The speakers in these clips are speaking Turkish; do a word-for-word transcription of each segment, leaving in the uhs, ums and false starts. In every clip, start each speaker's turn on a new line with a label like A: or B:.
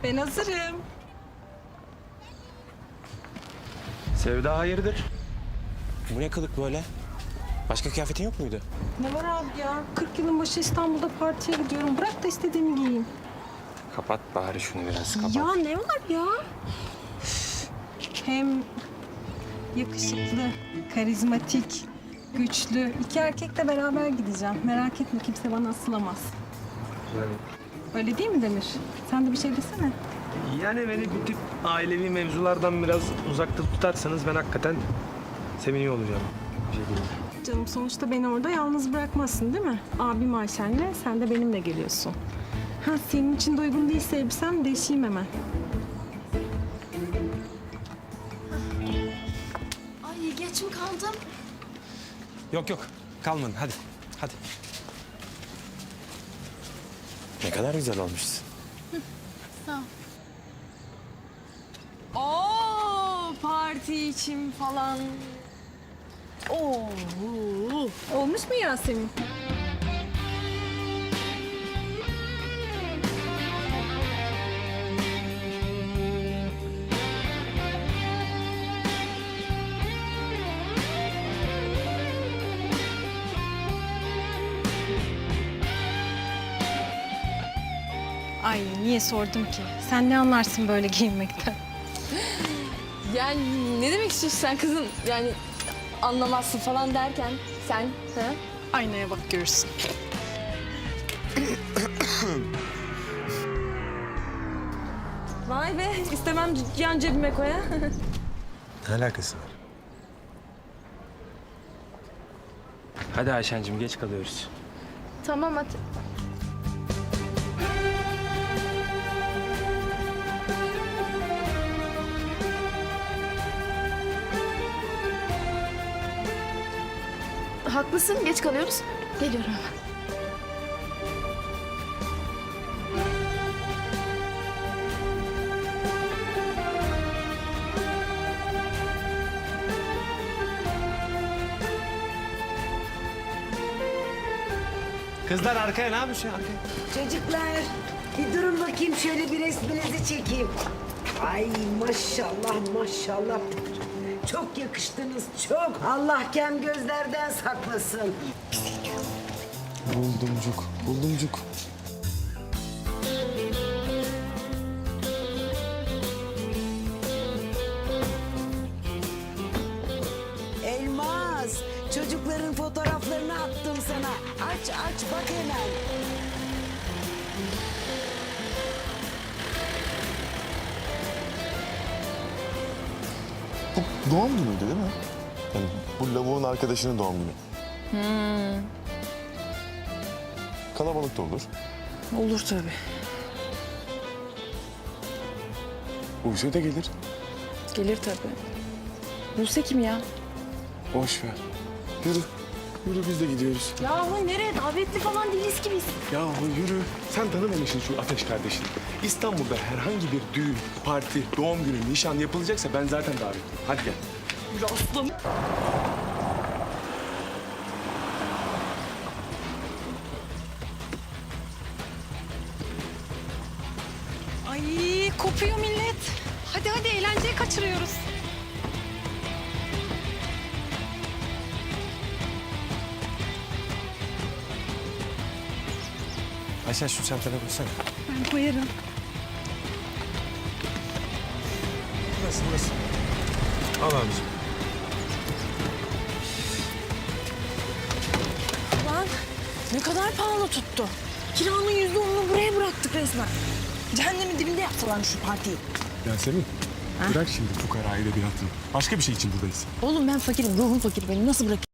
A: Ben hazırım.
B: Sevda hayırdır?
C: Bu ne kılık böyle? Başka kıyafetin yok muydu?
A: Ne var abi ya? kırk yılın başı İstanbul'da partiye gidiyorum. Bırak da istediğimi giyeyim.
C: Kapat bari şunu biraz kapat.
A: Ya ne var ya? Hem yakışıklı, karizmatik, güçlü. İki erkekle beraber gideceğim. Merak etme, kimse bana asılamaz.
B: Yani,
A: Öyle değil mi Demir? Sen de bir şey desene.
B: yani beni bu tip ailevi mevzulardan biraz uzakta tutarsanız ben hakikaten seviniyor olacağım. Bir şey diyeyim.
A: Canım sonuçta beni orada yalnız bırakmazsın değil mi? Abim Ayşen'le sen de benimle geliyorsun. Ha senin için de uygun değilse elbisem değişeyim hemen.
D: Ay geç mi kaldım?
C: Yok yok kalmadın hadi. Hadi. Ne kadar güzel olmuşsun.
D: Sağ ol. Oo, parti için falan. Oo.
A: Olmuş mu Yasemin? Ay niye sordum ki? Sen ne anlarsın böyle giyinmekten?
D: Yani ne demek istiyorsun sen kızım? Yani anlamazsın falan derken sen ha?
A: Aynaya bak görürsün.
D: Vay be istemem yan cebime koya.
C: Ne alakası var?
B: Hadi Ayşen'cim geç kalıyoruz.
D: Tamam hadi. Haklısın geç kalıyoruz. Geliyorum hemen.
C: Kızlar arkaya ne yapıyorsun arkaya?
E: Çocuklar bir durun bakayım şöyle bir resminizi çekeyim. Ay maşallah maşallah. Çok yakıştınız çok. Allah kem gözlerden saklasın.
C: Buldumcuk, buldumcuk.
E: Elmas çocukların fotoğraflarını attım sana. Aç aç bak hemen.
F: Bu doğum günüydü değil mi? Yani bu lavuğun arkadaşının doğum günü.
D: Hmm.
F: Kalabalık da olur.
D: Olur tabii.
F: Buse de gelir.
D: Gelir tabii. Buse kim ya?
F: Boş ver. Yürü. Yürü biz de gidiyoruz.
D: Yahu nereye? Davetli falan değiliz ki biz.
F: Yahu yürü. Sen tanımamışsın şu Ateş kardeşini. İstanbul'da herhangi bir düğün, parti, doğum günü, nişan yapılacaksa ben zaten davetliyim. Hadi gel.
D: Aslanım.
A: Ay kopuyor millet. Hadi hadi eğlenceye kaçırıyoruz.
C: Ayşen şu çantana koysana.
A: Ben koyarım.
C: Burası burası. Al abicim.
D: Lan ne kadar pahalı tuttu. Kiranın yüzde onunu buraya bıraktık resmen. Cehennemin dibinde yaptılar şu partiyi.
F: Yasemin. Bırak şimdi fukarayı da bir hatırı. Başka bir şey için buradayız.
D: Oğlum ben fakirim, ruhum fakir benim. Nasıl bırakayım?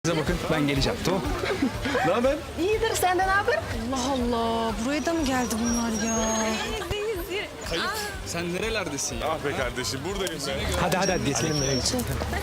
G: Size bakın ben geleceğim tamam.
F: Ne haber?
D: İyidir senden haber? Allah Allah buraya da mı geldi bunlar ya?
G: Sen nerelerdesin ya?
F: Ah be kardeşim buradayım ben.
B: Hadi hadi hadi geçelim nereye geçelim.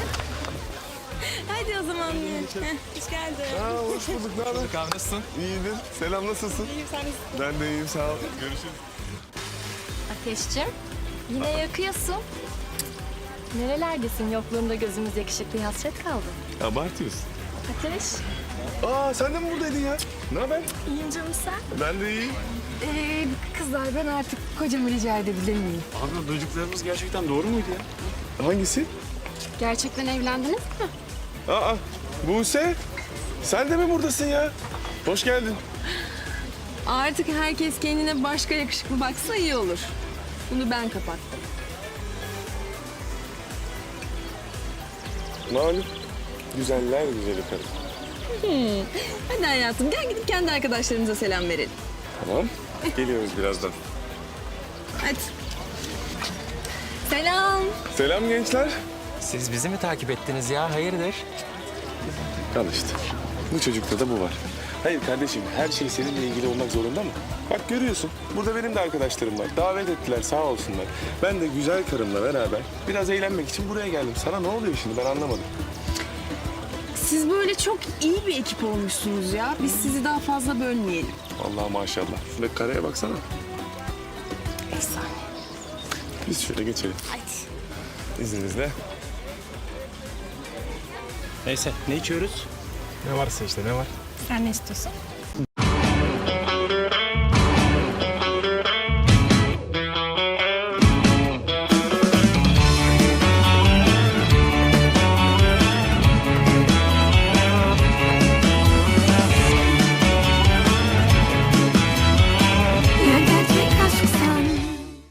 D: Hadi o zaman. Heh, hoş geldin.
F: Aa, hoş bulduk. Ne haber?
G: Abi nasılsın?
F: İyidir. Selam nasılsın?
D: İyiyim sen nasılsın?
F: Ben de iyiyim sağ ol. Görüşürüz.
H: Ateşciğim, yine yakıyorsun. Nerelerdesin? Yokluğunda gözümüz yakışıklı hasret kaldı.
F: Abartıyorsun.
H: Ateş,
F: Aa sen de mi buradaydın ya? Ne haber?
H: iyiyim canım sen.
F: Ben de iyiyim.
H: Ee, kızlar ben artık kocamı rica edebilir miyim?
G: Abi duyduklarımız gerçekten doğru muydu ya?
F: Hangisi?
H: Gerçekten evlendiniz mi?
F: Aa Buse. Sen de mi buradasın ya? Hoş geldin.
D: Artık herkes kendine başka yakışıklı baksa iyi olur. Bunu ben kapattım.
F: Malum. Güzeller güzeli karım.
D: Hadi hayatım gel gidip kendi arkadaşlarımıza selam verelim.
F: Tamam. Geliyoruz birazdan.
D: Hadi. Selam.
F: Selam gençler.
C: Siz bizi mi takip ettiniz ya? Hayırdır?
F: Al işte. Bu çocukta da bu var. Hayır kardeşim her şey seninle ilgili olmak zorunda mı? Bak görüyorsun. Burada benim de arkadaşlarım var. Davet ettiler sağ olsunlar. Ben de güzel karımla beraber biraz eğlenmek için buraya geldim. Sana ne oluyor şimdi ben anlamadım.
D: Siz böyle çok iyi bir ekip olmuşsunuz ya. Biz sizi daha fazla bölmeyelim.
F: Allah maşallah. Şuradaki kareye baksana.
D: Efsane.
F: Biz şöyle geçelim.
H: Hadi.
F: İzninizle.
G: Neyse ne içiyoruz?
B: Ne varsa işte ne var?
H: Sen ne istiyorsun?